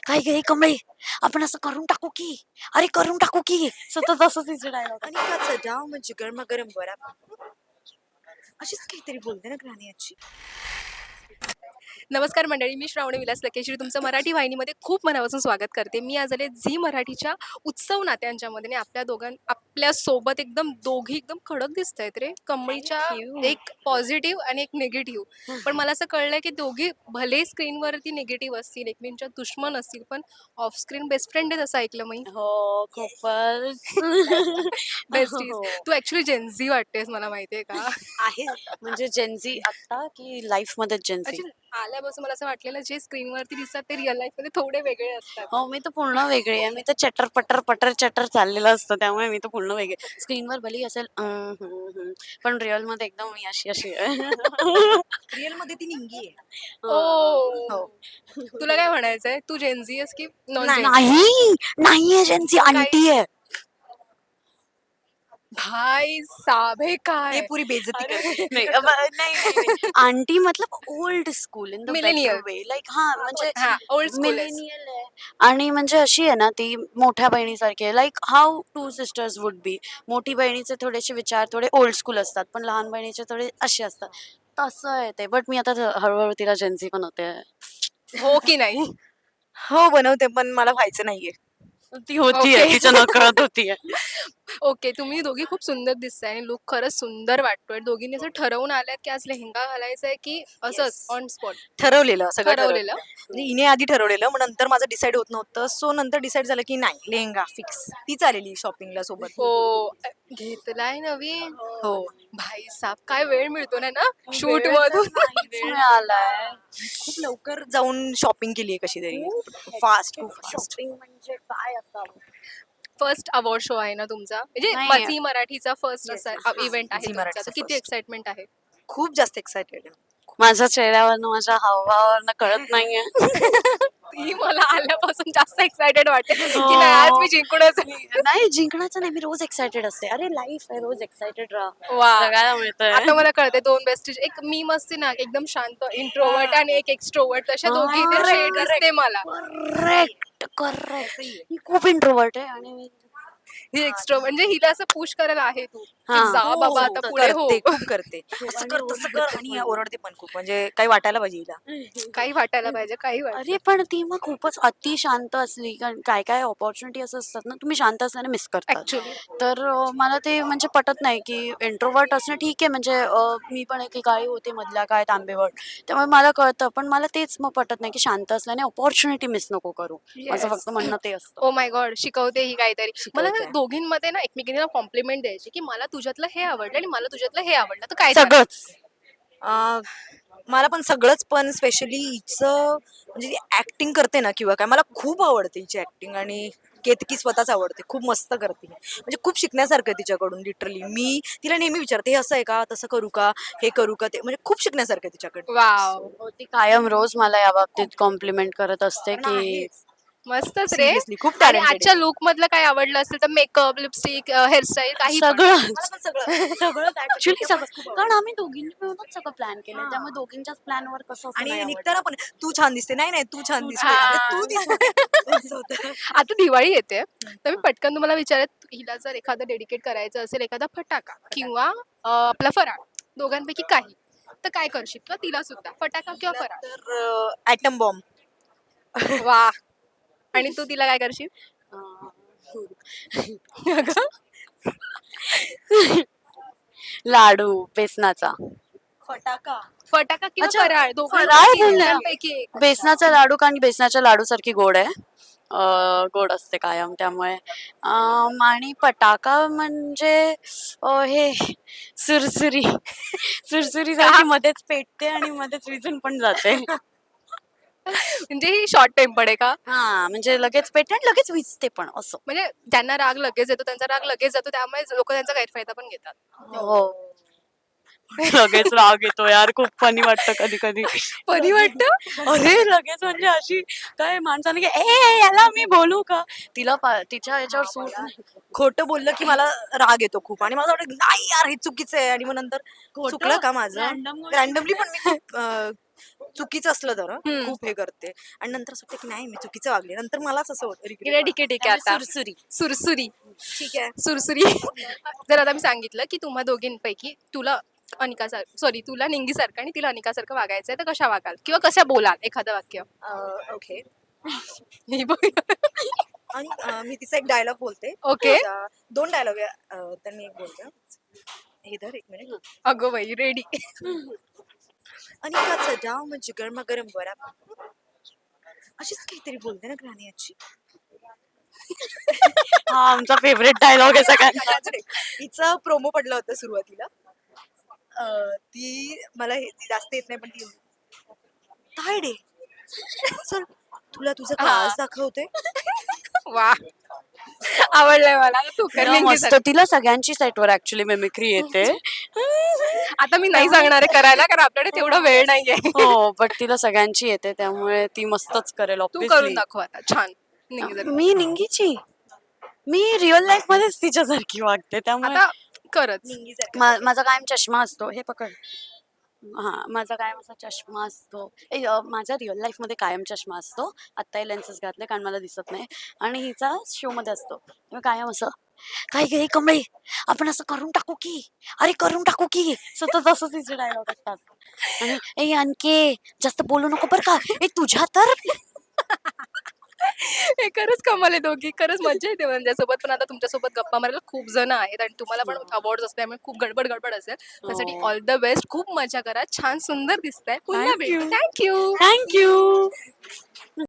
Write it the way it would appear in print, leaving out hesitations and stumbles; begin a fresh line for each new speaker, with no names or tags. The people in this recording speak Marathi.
काय गे कमळे, आपण असं करून टाकू की, अरे करून टाकू की, सतत असंच तिचे डायलॉग.
आणि का चढाव म्हणजे गरमागरम वडा अशीच काहीतरी बोलते ना ग्राणी आजी.
नमस्कार मंडळी, मी श्रावणी विलास लकेश्री तुमचं मराठी वाहिनीमध्ये खूप मनापासून स्वागत करते. मी आज आले झी मराठीच्या उत्सव नात्यांच्यामध्ये आणि आपल्या सोबत दोघी एकदम कडक दिसत आहेत रे. कमळीच्या एक पॉझिटिव्ह आणि एक निगेटिव्ह. पण मला असं कळलंय की दोघी भले स्क्रीनवरती निगेटिव्ह असतील, एकमेकांच्या दुश्मन असतील, पण ऑफ स्क्रीन बेस्ट फ्रेंड आहेत असं ऐकलं मी.
हो खूपच.
बेस्टीज.
हो.
तू ऍक्च्युली जेन्झी वाटतेस मला माहितीये का.
आहे म्हणजे जेन्झी आता की लाईफ मध्ये जेन्झी.
Actually, आल्यापासून मला असं वाटलेलं जे स्क्रीनवरती दिसतात ते रिअल लाईफ मध्ये थोडे वेगळे असतात.
हो मी तर पूर्ण वेगळी आहे. मी तर चटर पटर पटर चटर चाललेलं असतं, त्यामुळे मी तर पूर्ण वेगळी. स्क्रीनवर भलेही असेल पण रिअल मध्ये एकदम मी अशी अशी आहे.
रिअल मध्ये ती निंगी आहे.
ओ,
हो.
तुला काय म्हणायचंय? तू जेन्झी आहेस की नॉन
नाही.
जेन्झी?
नाही नाहीये जेन्झी, आंटी आहे.
भाई साब हे
हे
काय
पुरी बेइज्जती करते.
नाही नाही आंटी मतलब old school in the
Millennial.
Better way, like हा म्हणजे
हा ओल्ड स्कूल आहेस.
मिलेनियल आहे. आणि म्हणजे अशी आहे ना ती मोठ्या बहिणीसारखी आहे, like how two sisters would be. मोठी बहिणीचे थोडेसे विचार थोडे ओल्ड स्कूल असतात, पण लहान बहिणीचे थोडे असे असतात. तसं आहे ते. बट मी आता हळूहळू तिला जेन्झी पण होते.
हो की नाही?
हो बनवते, पण मला व्हायचं नाहीये.
ती होतीये,
Okay.
तिच्या नकळत होतीये.
ओके, तुम्ही दोघी खूप सुंदर दिसताय आणि लुक खरंच सुंदर वाटतोय. दोघींनी असं ठरवून आल्यात की आज लेहेंगा घालायचा आहे की असंच
Yes.
ऑन स्पॉट
ठरवलेलं सगळं
ठरवलेलं?
म्हणजे हिने आधी ठरवलेलं, मग नंतर माझं डिसाईड होत नव्हतं. सो नंतर डिसाईड झालं की नाही लेहंगा फिक्स. ती चालेली शॉपिंगला सोबत.
हो. घेतलाय नवीन.
हो.
भाई साब काय वेळ मिळतो ना ना शूट
वेळ तर
मधून.
नाहीच मिळालाय.
खूप लवकर जाऊन शॉपिंग केली कशी तरी. फास्ट खूप फास्ट.
शॉपिंग म्हणजे काय असावं.
फर्स्ट अवॉर्ड शो आहे ना तुमचा, म्हणजे
नाही.
झी मराठीचा फर्स्ट
Yes,
असा
yes.
इव्हेंट आहे
झी
तुमचा.
मराठीचा
तर किती
first.
एक्साइटमेंट आहे?
खूप जास्त एक्साइटेड आहे.
माझ्या चेहऱ्यावरनं माझ्या हावभावावरनं कळत नाहीये.
ती मला आल्यापासून जास्त एक्साइटेड वाटते की
हो.
नाही आज मी जिंकूनच.
नाही जिंकण्याचं नाही, मी रोज एक्सायटेड असते. अरे लाईफ आहे, रोज एक्सायटेड राहा.
वा.
जगायला मिळतंय.
आता मला कळते दोन बेस्ट एक मीम असते ना एकदम शांत इंट्रोवर्ट आणि एक एक्स्ट्रोवर्ट, तशा दोघी इथे शेड दिसते मला.
Correct correct. ही खूप इंट्रोवर्ट आहे आणि मी
ही एक्स्ट्रो म्हणजे हिला असं पुश करायला आहे तू की
हा.
जा
हो,
बाबा आता पुढे हो.
करते खूप करते. असं
आणि
कर तसं कर आणि ओरडते पण खूप, म्हणजे काही वाटायला पाहिजे हिला.
काही वाटायला पाहिजे, काही वाट.
अरे पण ती मग खूपच अति शांत असली, कारण काय काय ऑपॉर्च्युनिटी असं असतात ना, तुम्ही शांत असल्याने मिस करतात.
ऍक्च्युली
तर मला ते म्हणजे पटत नाही की इंट्रोवर्ट असणं ठीक आहे. म्हणजे मी पण एकेकाळी होते मधल्या काळात आंबेवट, त्यामुळे मला कळतं. पण मला तेच मग पटत नाही की शांत असल्याने ऑपॉर्च्युनिटी मिस नको करू. माझं फक्त म्हणणं ते असतं.
ओ माय गॉड, शिकवते ही काहीतरी. मला ना
शिकवते.
दोघींमध्ये ना एकमेकींना कॉम्प्लिमेंट द्यायची की मला तुझ्यातलं हे आवडलं आणि मला तुझ्यातलं हे आवडलं, तर काय सांगणार?
सगळंच.
अं, मला पण सगळंच, पण स्पेशली हिचं म्हणजे ती ऍक्टिंग करते ना किंवा काय, मला खूप आवडते हिची ऍक्टिंग. आणि केतकी स्वतःच आवडते, खूप मस्त करते. म्हणजे खूप शिकण्यासारखं आहे तिच्याकडून. लिटरली मी तिला नेहमी विचारते हे असं आहे का, तसं करू का, हे करू का, ते म्हणजे खूप शिकण्यासारखं आहे तिच्याकडे.
वाव,
हो, ती कायम रोज मला या बाबतीत कॉम्प्लिमेंट करत असते
कारण
की
आहेच.
मस्तच रे.
Seriously, खूप
आणि
talented
आजच्या
आहे.
लुक मधलं काय आवडलं असेल तर मेकअप, लिपस्टिक, हेअरस्टाईल काही पण.
सगळंच.
मला पण सगळं
सगळंच ऍक्च्युली सगळं,
खूप आवडतं.
कारण आम्ही दोघींनी मिळूनच सगळं प्लॅन केलंय,
हा.
त्यामुळे दोघींच्याच प्लॅनवर कसं असं नाही
आणि
आवडणार.
निघताना पण तू छान दिसते, नाही नाही तू छान दिसते,
हा.
अगं तू दिसते असं होतं.
आता दिवाळी येते तर मी पटकन तुम्हाला विचारत, हिला जर एखादं डेडिकेट करायचं असेल, एखादा फटाका किंवा आपला फराळ दोघांपैकी काही, तर काय करशील? किंवा तिला सुद्धा फटाका किंवा फराळ?
तर ऍटम बॉम्ब.
वा. आणि तू तिला काय करशील? अगं,
लाडू बेसनाचा.
फटाका.
फटाका किंवा
अच्छा,
फराळ
फराळ बोलले.
दोघांपैकी एक.
बेसनाचा लाडू, कारण बेसनाच्या लाडू सारखी गोड आहे. गोड असते कायम, त्यामुळे आणि पटाका म्हणजे हे सुरसुरी. सुरसुरी सारखी मध्येच पेटते आणि मध्येच विझून पण जाते.
म्हणजे ही शॉर्ट टेम्पर्ड आहे का?
हा म्हणजे लगेच पेटते आणि लगेच विझते पण असं.
म्हणजे ज्यांना राग लगेच येतो त्यांचा राग लगेच जातो, त्यामुळे लोक त्यांचा गैरफायदा पण घेतात.
हो. लगेच राग येतो यार, खूप फनी वाटतं कधी कधी.
फनी वाटतं.
अरे लगेच म्हणजे अशी काय माणसाने की ए याला मी बोलू का, तिला तिच्या याच्यावर सूट नाही.
खोटं बोललं की मला राग येतो खूप, आणि मला वाटतं नाही यार हे चुकीचं आहे, आणि मग नंतर चुकलं का माझं. रॅन्डमली पण मी खूप चुकीचं असलं तर
हम्म.
खूप हे करते आणि नंतर असं वाटतं की नाही मी चुकीचं वागले नंतर मलाच असं होतं
ठीक आहे ठीक आहे ठीक आहे आता
सुरसुरी
सुरसुरी
ठीक आहे
सुरसुरी जर आता मी सांगितलं की तुम्हा दोघींपैकी तुला सॉरी तुला निंगीसारखं आणि तिला अनिकासारखं वागायचं आहे तर कशा वागाल किंवा कशा बोलाल एखादं वाक्य
ओके
हे बघ.
आणि मी तिचा एक डायलॉग बोलते
Okay.
दोन डायलॉग तर मी एक बोलते हे धर एक मिनिट
अगो बाई रेडी
आणि काचा डाव म्हणजे गरमागरम बरा अशीच काहीतरी बोलते ना ग्राणी आजी
हा आमचा फेवरेट डायलॉग आहे सगळ्यांचा.
हिचं प्रोमो पडलं होतं सुरुवातीला ती मला ती जास्त येत नाही पण ती काय डे चल तुला तुझं क्लास दाखवते
वा आवडलंय मला तू कर
तिला
निंगी
मस्त
सारखं.
तिला सगळ्यांची सेटवर ऍक्च्युली मेमिक्री येते.
आता मी नाही सांगणार आहे करायला कारण आपल्याकडे तेवढा वेळ नाहीये
हो बट तिला सगळ्यांची येते त्यामुळे ती मस्तच करेल
तू करून
obviously.
दाखव आता छान निंगी सारखं.
मी निंगीची मी रिअल लाईफ मध्येच तिच्यासारखी वागते त्यामुळे
आता करच
माझा कायम चष्मा असतो हे पकड. हा माझा कायम असा चष्मा असतो माझा रिअल लाईफ मध्ये कायम चष्मा असतो. आत्ताही लेन्सेस घातले कारण मला दिसत नाही आणि हिचा शो मध्ये असतो तेव्हा कायम असं काय गे कमळे आपण असं करून टाकू की अरे करून टाकू की सतत असं तिचे डायलॉग असतात आणि ए आणखे जास्त बोलू नको बरं का ए तुझ्या तर
हे खरंच कमाल आहे दोघी खरंच मजा येते माझ्यासोबत पण आता तुमच्यासोबत गप्पा मारायला खूप जण आहेत आणि तुम्हाला पण अवॉर्ड असल्यामुळे खूप गडबड गडबड असेल त्यासाठी
हो.
ऑल द बेस्ट खूप मजा करा छान सुंदर दिसताय पुन्हा
Thank
भेटू
you.
Thank you
thank you